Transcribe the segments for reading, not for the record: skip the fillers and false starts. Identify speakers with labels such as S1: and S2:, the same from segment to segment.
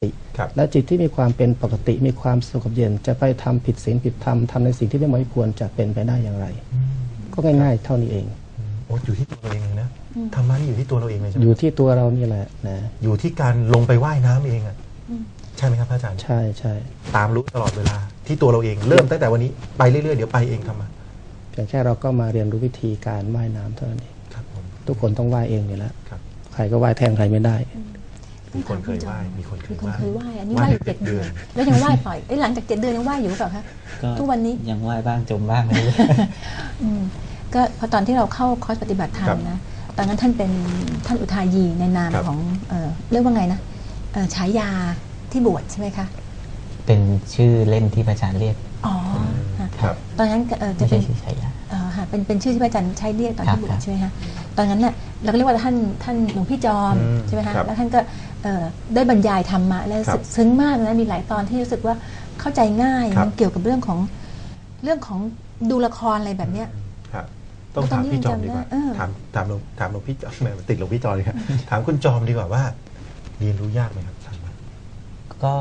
S1: และจิตที่มีความเป็นปกติมีความสงบเย็นจะไปทำผิดศีลผิดธรรมทำในสิ่งที่ไม่ควรจะเป็นไปได้อย่างไรก็ง่ายๆเท่านี้เอง
S2: โอ้อยู่ที่ตัวเราเองนะธรรมะนี่อยู่ที่ตัวเราเองเลยใช่ไหม
S1: อยู่ที่ตัวเรานี่แหละนะ
S2: อยู่ที่การลงไปว่ายน้ำเองอ่ะใช่ไหมครับพระอาจารย์
S1: ใช่ใช่
S2: ตามรู้ตลอดเวลาที่ตัวเราเองเริ่มตั้งแต่วันนี้ไปเรื่อยๆเดี๋ยวไปเองทำมา
S1: เพียงแค่เราก็มาเรียนรู้วิธีการว่ายน้ำเท่านั้นเองทุกคนต้องว่ายเองอยู่แล้วใครก็ว่ายแทนใครไม่ได้
S2: มีคนเคยว่ายมีคนเคย
S3: ว่ายอันนี้ว่ายอยู่7 เดือนแล้วยังว่ายปล่อยหลังจาก7 เดือนยังว่ายอยู่หรือเปล่าคะทุกวันนี้
S4: ยังว่ายบ้างจมบ้างเลย
S3: ก็พอตอนที่เราเข้าคอร์สปฏิบัติธรรมนะตอนนั้นท่านเป็นท่านอุทายีในนามของเรียกว่าไงนะฉายาที่บวชใช่ไหมคะ
S4: เป็นชื่อเล่นที่พระอาจารย์เรียก
S3: อ๋อตอนนั้นจะเป็นชื่อฉายาเป็นชื่อที่พระอาจารย์ใช้เรียกตอนที่บวชใช่ไหมคะตอนนั้นเนี่ยเราก็เรียกว่าท่านหลวงพี่จอมใช่ไหมคะแล้วท่านก็ได้บรรยายธรรมะแล้วซึ้งมากนะมีหลายตอนที่รู้สึกว่าเข้าใจง่ายมันเกี่ยวกับเรื่องของดูละครอะไรแบบเนี้ย
S2: ต้องถามพี่จอมดีกว่าถามหลวงพี่จอมติดหลวงพี่จอมเลยครับถามคุณจอมดีกว่าว่าเรียนรู้ยากไหมครับ
S4: ก็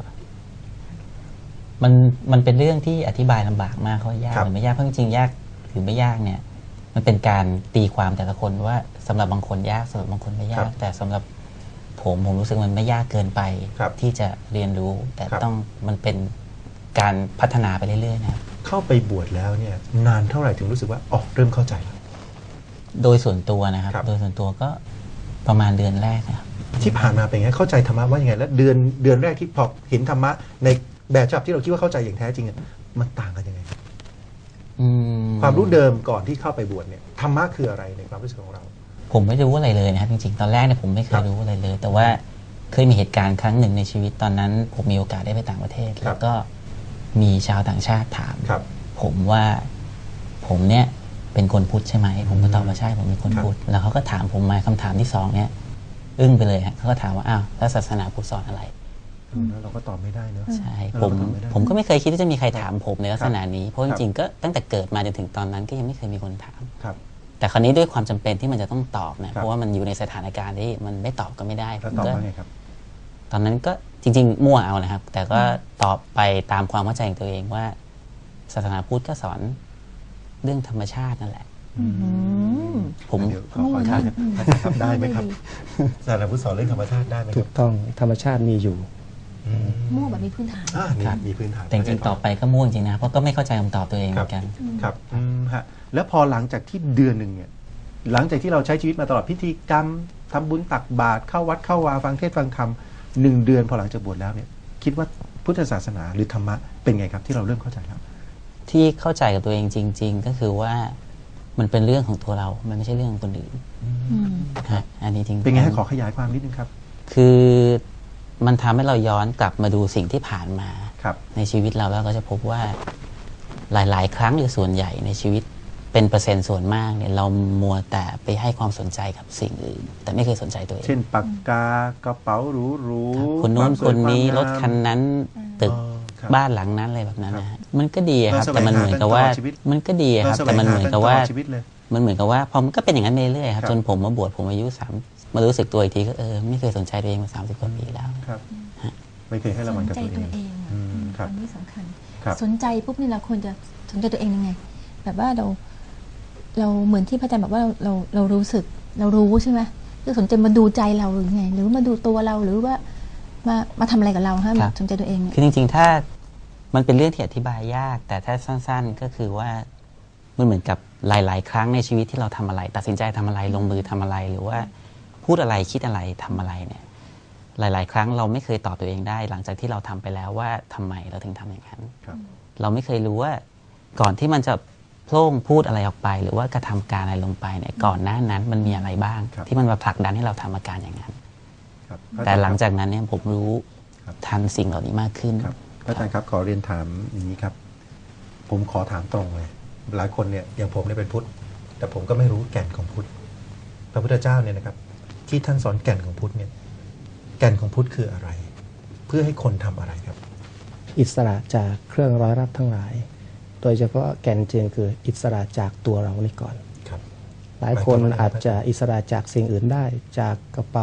S4: มันเป็นเรื่องที่อธิบายลำบากมากเขายากหรือไม่ยากเพราะจริงๆยากหรือไม่ยากเนี่ยมันเป็นการตีความแต่ละคนว่าสำหรับบางคนยากสำหรับบางคนไม่ยากแต่สำหรับผมรู้สึกมันไม่ยากเกินไปที่จะเรียนรู้แต่ต้องมันเป็นการพัฒนาไปเรื่อยๆนะครับ
S2: เข้าไปบวชแล้วเนี่ยนานเท่าไหร่ถึงรู้สึกว่าเริ่มเข้าใจแล้ว
S4: โดยส่วนตัวนะครับโดยส่วนตัวก็ประมาณเดือนแรกนะครับ
S2: ที่ผ่านมาเป็นไงเข้าใจธรรมะว่ายังไงแล้วเดือนแรกที่พอเห็นธรรมะในแบบฉบับที่เราคิดว่าเข้าใจอย่างแท้จริงมันต่างกันยังไงความรู้เดิมก่อนที่เข้าไปบวชเนี่ยธรรมะคืออะไรในความรู้สึกของเรา
S4: ผมไม่รู้อะไรเลยนะครับจริงๆตอนแรกเนี่ยผมไม่เคยรู้อะไรเลยแต่ว่าเคยมีเหตุการณ์ครั้งหนึ่งในชีวิตตอนนั้นผมมีโอกาสได้ไปต่างประเทศแล้วก็มีชาวต่างชาติถามผมว่าผมเนี่ยเป็นคนพุทธใช่ไหมผมก็ตอบว่าใช่ผมเป็นคนพุทธแล้วเขาก็ถามผมมาคำถามที่2เนี่ยอึ้งไปเลยฮะเขาก็ถามว่าอ้าวแล้วศาสนาพุทธสอนอะไร
S2: เราก็ตอบไม่ได้เนอะ
S4: ใช่ผมก็ไม่เคยคิดว่าจะมีใครถามผมในลักษณะนี้เพราะจริงๆก็ตั้งแต่เกิดมาจนถึงตอนนั้นก็ยังไม่เคยมีคนถามแต่คราวนี้ด้วยความจำเป็นที่มันจะต้องตอบนะเพราะว่ามันอยู่ในสถานการณ์ที่มันไม่ตอบก็ไม่ได้
S2: ผมก็
S4: ตอนนั้นก็จริงๆมั่วเอานะครับแต่ก็ตอบไปตามความเข้าใจของตัวเองว่าศาสนาพุทธก็สอนเรื่องธรรมชาตินั่นแหละ
S2: ผมขอครับได้ไหมครับศาสนาพุทธสอนเรื่องธรรมชาติได้ไหม
S1: ถูกต้องธรรมชาติมีอยู่
S3: มั่วแบบมีพื้นฐาน
S2: มีพื้นฐาน
S4: แต่จริงๆต่อไปก็มั่วจริงนะเพราะก็ไม่เข้าใจคำตอบตัวเองเหมือนกัน
S2: ครับแล้วพอหลังจากที่เดือนหนึ่งเนี่ยหลังจากที่เราใช้ชีวิตมาตลอดพิธีกรรมทำบุญตักบาตรเข้าวัดเข้าวาฟังเทศฟังธรรม1 เดือนพอหลังจากบวชแล้วเนี่ยคิดว่าพุทธศาสนาหรือธรรมะเป็นไงครับที่เราเริ่มเข้าใจแล้ว
S4: ที่เข้าใจกับตัวเองจริงๆก็คือว่ามันเป็นเรื่องของตัวเรามันไม่ใช่เรื่องของคนอื่นอันนี้จริง
S2: เป็นไงให้ขอขยายความนิดนึงครับ
S4: คือมันทำให้เราย้อนกลับมาดูสิ่งที่ผ่านมาในชีวิตเราแล้วก็จะพบว่าหลายๆครั้งหรือส่วนใหญ่ในชีวิตเป็นเปอร์เซ็นต์ส่วนมากเนี่ยเรามัวแต่ไปให้ความสนใจกับสิ่งอื่นแต่ไม่เคยสนใจตัวเอง
S2: เช่นปากกากระเป๋าหรู
S4: ๆคนโน้นคนนี้รถคันนั้นตึกบ้านหลังนั้นอะไรแบบนั้นนะฮะมันก็ดีครับแต่มันเหมือนกับว่ามันก็ดีครับแต่มันเหมือนกับว่าพอมันก็เป็นอย่างนั้นเรื่อยๆครับจนผมมาบวชผมอายุ3มารู้สึกตัวอีกทีก็ไม่เคยสนใจตัวเองมา30 กว่าปีแล้ว
S2: ไม่เคยให้รางวัลกับตัวเอง
S3: อันนี้สำคัญสนใจปุ๊บนี่เราควรจะสนใจตัวเองยังไงแบบว่าเราเหมือนที่พระอาจารย์บอกว่าเรารู้สึกเรารู้ใช่ไหมคือสนใจมาดูใจเราหรือไงหรือมาดูตัวเราหรือว่ามาทำอะไรกับเราฮะสนใจตัวเอง
S4: คือจริงๆถ้ามันเป็นเรื่องที่อธิบายยากแต่ถ้าสั้นๆก็คือว่ามันเหมือนกับหลายๆครั้งในชีวิตที่เราทำอะไรตัดสินใจทำอะไรลงมือทำอะไรหรือว่าพูดอะไรคิดอะไรทำอะไรเนี่ยหลายๆครั้งเราไม่เคยตอบตัวเองได้หลังจากที่เราทำไปแล้วว่าทำไมเราถึงทำอย่างนั้นเราไม่เคยรู้ว่าก่อนที่มันจะโพล่งพูดอะไรออกไปหรือว่ากระทำการอะไรลงไปเนี่ยก่อนหน้านั้นมันมีอะไรบ้างที่มันมาผลักดันให้เราทำอาการอย่างนั้นแต่หลังจากนั้นเนี่ยผมรู้ทันสิ่งเหล่านี้มากขึ้น
S2: พระอาจารย์ครับขอเรียนถามอย่างนี้ครับผมขอถามตรงเลยหลายคนเนี่ยอย่างผมเนี่ยเป็นพุทธแต่ผมก็ไม่รู้แก่นของพุทธพระพุทธเจ้าเนี่ยนะครับที่ท่านสอนแก่นของพุทธเนี่ยแก่นของพุทธคืออะไรเพื่อให้คนทำอะไรครับ
S1: อิสระจากเครื่องร้อยรัดทั้งหลายโดยเฉพาะแก่นจริงคืออิสระจากตัวเรานี่ก่อนหลายคนอาจจะอิสระจากสิ่งอื่นได้จากกระเป๋า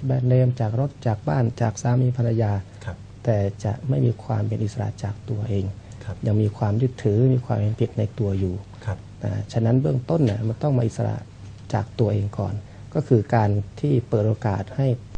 S1: แบรนด์เนมจากรถจากบ้านจากสามีภรรยา
S2: ครับ
S1: แต่จะไม่มีความเป็นอิสระจากตัวเอง
S2: ครับ
S1: ยังมีความยึดถือมีความเป็นผิดในตัวอยู่
S2: ครับ
S1: ฉะนั้นเบื้องต้นเนี่ยมันต้องมาอิสระจากตัวเองก่อน ก็คือการที่เปิดโอกาสให้